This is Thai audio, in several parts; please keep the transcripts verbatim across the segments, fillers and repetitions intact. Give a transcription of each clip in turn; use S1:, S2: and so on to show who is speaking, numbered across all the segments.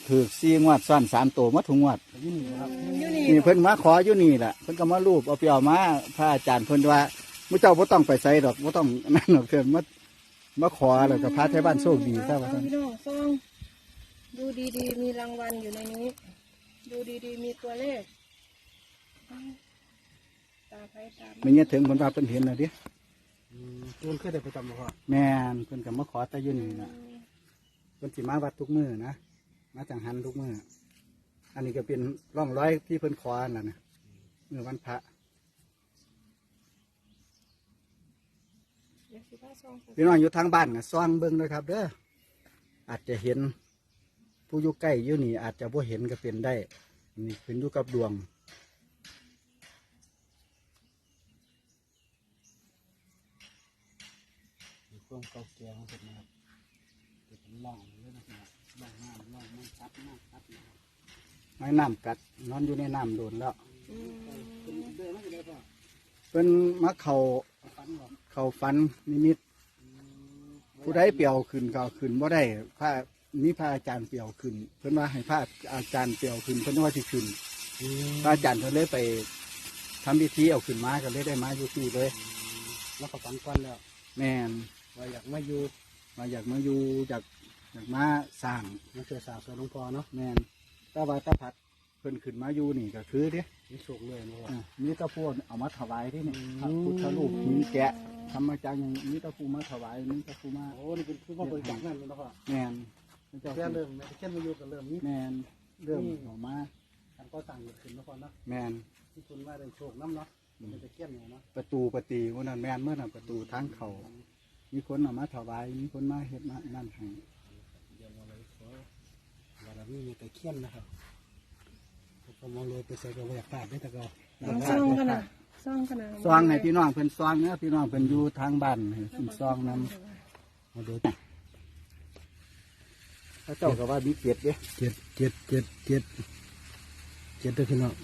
S1: ถือสี่งวดซ้อนสามตัวมาถุงงวด
S2: อยู่นี่ครับ
S3: อยู่นี่
S1: นี่เพิ่นมาขออยู่นี่แหละเพิ่นก็มารูปเอาไปเอามาพระอาจารย์เพิ่นว่ามุเจ้าบ่ต้องไปใส่ดอกบ่ต้องนั่นดอกเพิ่นมามาขอแล้วก็พระไทยบ้านโชคดีซะว่า
S3: เอา
S1: ซั่น
S3: พี่น้องซองดูดีๆมีรางวัลอยู่ในนี้ ดูดีๆมีตัวเลขตาไปตาม
S1: ไม่เงี้ยถึงเพิ่นว่าเพิ่นเห็นน่ะดิ
S2: อืมตัวมันเคยได้ประจำบ่พ่อ
S1: แม่นเพิ่นก็มาขอแต่อยู่นี่น่ะเพิ่นสิมาวัดทุกมื้อนะมาจังหันทุกมื้ออันนี้ก็เป็นร่องรอยที่เพิ่นขอนั่นน่ะมื้อวันพระ
S3: เดี๋ยวสิพาซองไป
S1: พี่น้องอยู่ทางบ้านน่ะซ่องเบิ่งด้วยครับเด้ออาจจะเห็นผู้อยู่ใกล้อยู่นี่อาจจะบ่เห็นก็เป็นได้นี่ขึ้นอยู่กับดวงมีความเก่าแก่ของเพิ่นนะครับเป็นร่องเลยนะครับร่องน้ำร่องมันซับน้ำซับน้ำไม้น้ำกัดนอนอยู่ในน้ำโดนแล้ว
S3: อืม
S1: เป็นมะเขาเขาฟันนิมิตผู้ใดเปี่ยวขึ้นก็เอาขึ้นบ่ได้พระนี่พระอาจารย์เปี่ยวขึ้น เพิ่นว่าให้พระอาจารย์เปี่ยวขึ้นเพิ่นว่าสิขึ้นพระอาจารย์เพิ่นเลยไปทำพิธีเอาขึ้นมาก็เลยได้มาอยู่ที่เลย
S2: แล้วก็ฝันก้อนแล้ว
S1: แม่น
S2: ว่าอยากมาอยู่
S1: มาอยากมาอยู่อยากอยากมาสร้าง
S2: มาเจอสาวสาวหลวงพ่อเนาะ
S1: แม่นแต่ว่าตาพัดเพิ่นขึ้นมาอยู่นี่ก็คือเด้
S2: มีโชคเลยนะพ่อ
S1: อ่ะมีแตะพวกเอามาถวายที่นี่
S2: อืม
S1: พระพุทธรูปหินแกะทำมาจากอย่างมีแตะพูมาถวายมีแตะพูมา
S2: โอ้นี่เป็นคือว่าบริจาคนั่นเลยนะพ่อ
S1: แมนพระเจ้า
S2: แค่เริ่มแม่แค่มาอยู่กันเริ่มนี้
S1: แมนเริ่มออกมา
S2: การก่อสร้างเกิดขึ้นนะพ่อเนาะ
S1: แมน
S2: ที่คุณว่าได้โชคน้ำเนาะเป็นตะเกียบเนี่ยเนาะ
S1: ประตูประตีวันนั้นแมนเมื่อนั้นประตูทางเขามีคนเอามาถวายมีคนมาเฮ็ดมานั่นให้
S2: เดี๋ยวเราเลยขอว่าเรามีตะเกียบนะครับผมมองเลยไปใส่กระเบื้องฟาดได้แต่ก็
S3: เอาซองกันนะซองกันนะ
S1: ซองให้พี่น้องเพิ่นซองเนี่ยพี่น้องเพิ่นอยู่ทางบ้านให้เพิ่นซองนำมาดูพระเจ้าก็ว่ามีเกียรติเด้
S2: เจ็ดเจ็ดเจ็ดเจ็ดเจ็ดด้วยพี่น้อง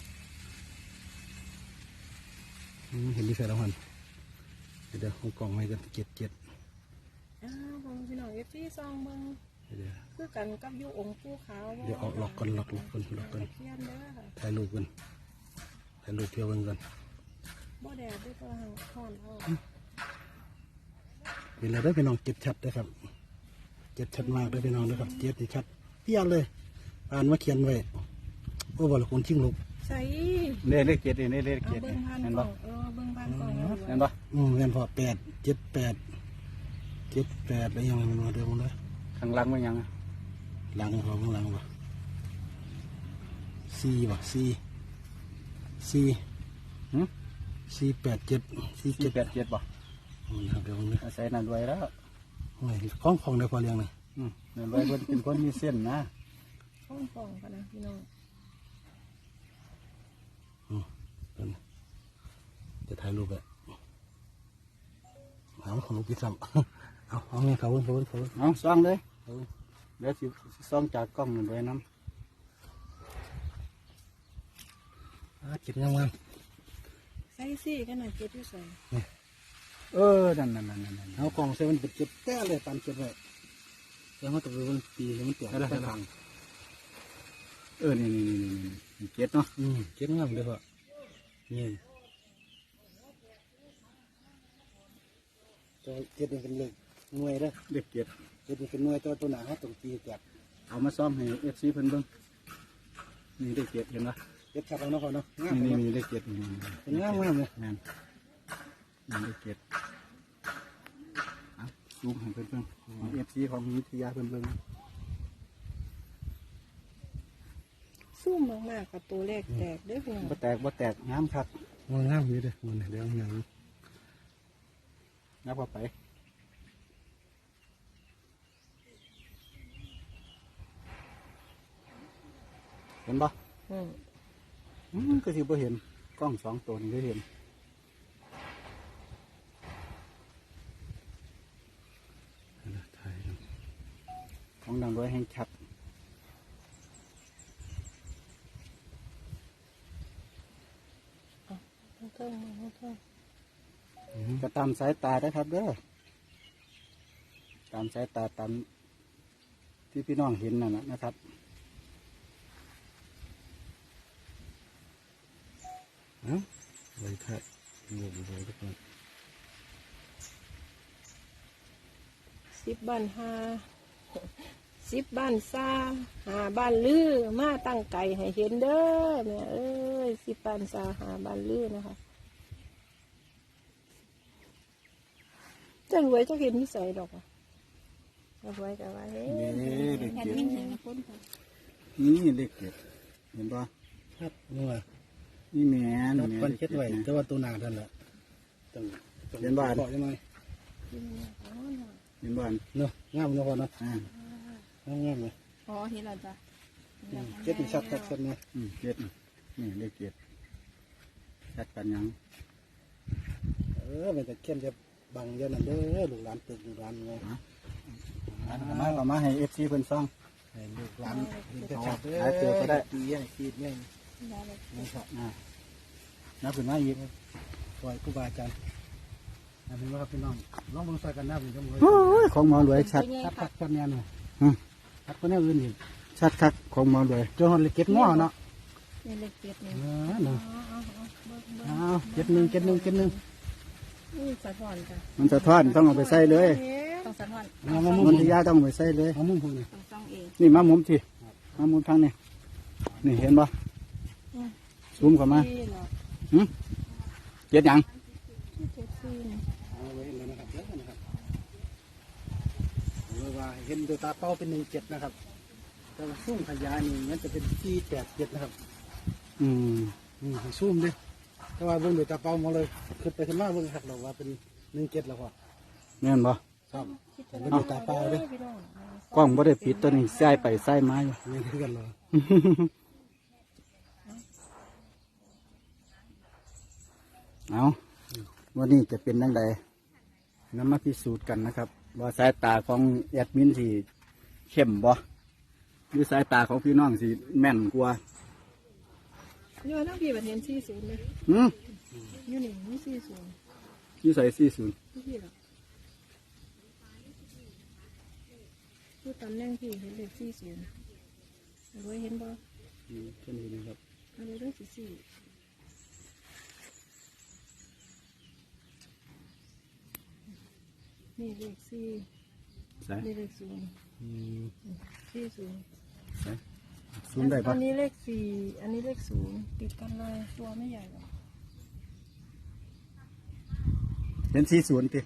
S2: เห็นดีใส่แล้วมันเดี๋ยวเอากล่องไว้กันเจ็ดเจ็ด
S3: อ้าวเบิ่งพี่น้องเอฟซีซองเบิ่ง
S2: เดี๋ยว
S3: คือกันกับอยู่องค์ปู่ขาว
S2: เดี๋ยวเอาล็อกกันล็อกล็อกกันล็อกกัน
S3: ตะเคียนเด้อค่ะ
S2: ถ่ายรูปกันถ่ายรูปเที่ยวกันกัน
S3: บ่แดดด้วยตัวหางห่อนเอา
S2: เห็นแล้วได้พี่น้องเจ็ดชัดนะครับเจ็ดชัดมากได้พี่น้องนะครับเจ็ดนี่ชัดเพี้ยนเลยอ่านมาเขียนไว้โอ้บอลคนชิงลูก
S3: ใส่
S1: เลขเลขเกียรตินี่เลข
S3: เอา
S1: เกียรติ
S3: เบิ่งผ่าน
S1: เห็น
S3: กล่
S1: บ่
S3: องเออเบิ่งผ่านกล่องเอา
S1: เห็นบ่
S2: อืมเงินพอแปดเจ็ดแปดเจ็ดแปดแล้วยังไงมันมาเดิมเลย
S1: ข้างหลังมันยังอะ
S2: หลังเขาข้างหลังวะสี่วะสี่สี่
S1: หึ
S2: สี่แปดเจ็ดสี่
S1: สี่
S2: เจ็ด
S1: แปดเจ็ดบ่
S2: มันครับเดี๋ยวมันเลย
S1: อาศัยนั่นไว้แล้ว
S2: โอ้ยคล้องของได้พอเลี้ยงเลย
S1: อืมนั่นไว้เพิ่นเป็นคนมีเส้นนะ
S3: ห้องกล่องกันนะพี่น้อง
S2: เดี๋ยวนะจะถ่ายรูปแบบเอาของลูกพี่ซ้ำ เอาเอาไงเขาเพิ่นเขาเพิ่นเขาเพิ่น
S1: เอาซ่องเลย
S2: เขาเพิ่น
S1: เดี๋ยวสิซ่องจากกล้องนั่นไว้น้
S2: อ่าเจ็ดงามงาม
S3: ใส่ซี่กันนะเจ็ดที่ใส่
S1: ำเออนั่นนั่นนั่นนั่นนั่น
S2: เอากล่องใส่มันเป็นเจ็ดแต้เลยตามเจ็ดไว้แล้วมันตกไปมันปีแล้วมันเตี่ยไปทาง
S1: เออนี่นี่นี่นี่นี่เจ็ดเนาะ
S2: อืมเจ็ดงามเลยพ่อนี่ตัวเจ็ดนี่เป็นเลขหน่วยเด้อ
S1: เด็กเจ็ด
S2: เจ็ดนี่เป็นหน่วยตัวตัวหนาเขาตรงปีแกะ
S1: เอามาซ่อมให้เอฟซีเพิ่นเบิ่งนี่เด็กเจ็ดเห็นปะ
S2: เจ็ดชัดแล้วเนาะพ่อเนาะงาม
S1: นี่
S2: เนาะ
S1: นี่นี่เด็กเจ็ดนี่นี่นี่
S2: เป็นงามงามเลย
S1: นั่นนี่เด็กเจ็ดเอาซูมให้เพิ่นเบิ่งเอฟซีของวิทยาเพิ่นเบิ่ง
S3: ซุ่มมากๆกับตัวเลขแตกเด้อพี่น้อง
S1: บ่แตกบ่แตกงามคัก
S2: งามงามอยู่เด้อมันเดี๋ยวงาม
S1: นับว่าไปเห็นปะ
S3: อืม
S1: อืมก็สิบ่เห็นกล้องสองตัวนี่ก็เห็น
S2: ถ่าย
S1: ของดังร้อยแห่งชัด
S3: ทั้งเทิงทั้งเทิง
S1: ก็ตามสายตาได้อครับเด้อตามสายตาตามที่พี่น้องเห็นนั่นนะนะครับ
S2: เอ้าไว้ถ่ายงงเลยทุกคน
S3: สิบบ้านหาสิบบ้านซาหาบ้านลือมาตั้งไก่ให้เห็นเด้อแม่เอ้ยสิบบ้านซาหาบ้านลือนะคะจะรวยจะเห็นนิสัยดอกอ่ะจะรวยแต่ว่าเฮ้ย
S1: นี่เด็ก
S3: แค่
S1: เก็ด
S3: นี้เห็นนะคนค่ะ
S1: นี่เด็กเก็ดเห็นปะ
S2: ครับนี่ว่า
S1: นี่แหม่
S2: นับคนเช็ดไว้แต่ว่าตัวหนาท่านแหละต้องต้อง
S1: เห็นบ้าน
S2: บอกยังไง
S3: กินเนี่ยอ๋อเนาะ
S1: เห็นบ้าน
S2: เนาะงามเนาะพ่อเนาะ
S1: อ่าง
S2: ามงามเลย
S3: อ๋อเห็นแล้วจ้ะ
S2: อืมเช็ดนี่ชัดชัดชัดเนี่ย
S1: อืมเก็ดนี่เด็กเก็ดชัดกันยัง
S2: เออมันจะเข้มจะบังเยอะนั่นเด้อลูกหลานตึกลูกหลานไง
S1: อันมาเอามาให้เอฟซีเพิ่นซ่อง
S2: ให้ลูกหลานมันจะชัดเด้อ
S1: หาเจอก็ได้
S2: ตีใหญ่ขีดใหญ่
S3: ได้เลย
S2: นะครับ
S1: อ่านับขึ้นมาอีก
S2: คอยครูบาอาจารย์อันนี้ว่าครับพี่น้องลองเบิ่งใส่กันหน้าเป็นจังหวะ
S1: โอ้ยของหมอรวยชัด
S2: ชัดชัดชัดแน่นอน
S1: ฮะ
S2: ชัดก็แน่อื่นอีก
S1: ชัดคักของหมอรวย
S2: เจ้าหอนเลยเก็บง้อเนาะ
S3: นี่เล็กเจ็ดนี่
S2: เออเนาะ
S3: อ๋ออ๋ออ๋อเบิ่งเบิ่ง
S2: อ้าวเจ็ดหนึ่งเจ็ดหนึ่งเจ็ดหนึ่ง
S3: นี่สะท้อนจ้ะ
S1: มันสะท้อนต้องเอาไปใส่เลย
S3: ต้องสะท้อน
S2: เอามามุ
S1: มัน
S2: ม
S1: ที่ยาต้องเอาไปใส่เลย
S2: เอามุมพูนี่
S3: ต้องซ่องเอง
S1: นี่มามุมที่มามุมทางนี้นี่เห็นปะซูมเข้ามา
S3: นี่เหรอ
S1: หืมเจ็ดหยัง
S3: ที่เจ็ดสี่นี่
S2: เอาไว้เห็นแล้วนะครับเยอะนะครับเรียกว่าเห็นโดยตาเป้าเป็นหนึ่งเจ็ดนะครับแต่ว่าซุ่มขยายนี่มันจะเป็นสี่แปดเจ็ดนะครับ
S1: อืม
S2: อืมให้ซุ่มดิแต่ว่าเบิ่งโดยตาเป้ามาเลยขึ้นไปขึ้นมาเบิ่งครับเราว่าเป็นหนึ่งเจ็ดแล้วพอ
S1: แม่นปะ
S2: ครับแต่เบิ่งโดยตาเป้าเด้
S3: พี่น้อง
S1: กล้องบ่ได้ปิดตัวนี้ใส่ไปใส่มาอยู่
S2: เงี้ยคือกันเลย
S1: เอาวันนี้จะเป็นยังไงนำมาพิสูจน์กันนะครับ ว่าสายตาของแอดมินสีเข้มบ่หรือสายตาของพี่น้องสีแม่นกว่า
S3: นี่ว่าทั้งพี่แบบเห็นสี่ศูนย์เลย
S1: หืม
S3: อยู่นี่มีสี่ศูนย์
S1: ยี่ใส่สี่ศูนย์
S3: ที่พี่หรอคือตำแหน่งพี่เห็นเลขสี่ศูนย์รวยเห็นบ่
S1: แค่นี้นะครับ
S3: อันนี้เรื่องสี่สี่นี่เลขสี่
S1: ใส่
S3: นี่เลขศูนย์
S2: อืม
S3: สี่ศูนย์
S1: ใส่ศูนย์ได้ปะ
S3: อันนี้เลขสี่อันนี้เลขศูนย์ติดกันเลยตัวไม่ใหญ่หรอก
S1: เป็นสี่ศูนย์ติ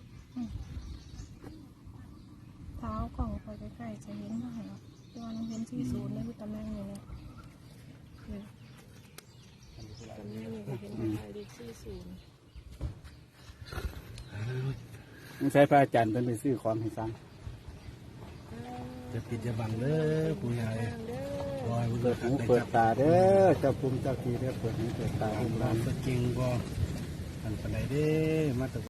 S3: เท้ากล่องไปใกล้ๆจะเห็นมากหรอกตัวนึงเห็นสี่ศูนย์ได้ที่ตำแหน่งนี้เนี่ยเนี่ยตำแหน่งนี้ก็เห็นว่าเลขสี่ศูนย์
S1: ต้องใช้พระอาจารย์เป็นไปซื้อของให้สั่ง
S2: จะปิดจะบังเด้อผู้ใหญ่
S3: ทางเด้อ
S2: รอย
S1: เปิดหูเปิดตาเด้อเจ้าภูมิเจ้าทีเด้อเปิดหูเปิดตา
S2: ตา
S1: ให้
S2: ลูกห
S1: ร้า
S2: ลาน นก็จริงบ่อันปานใดเด้มาแต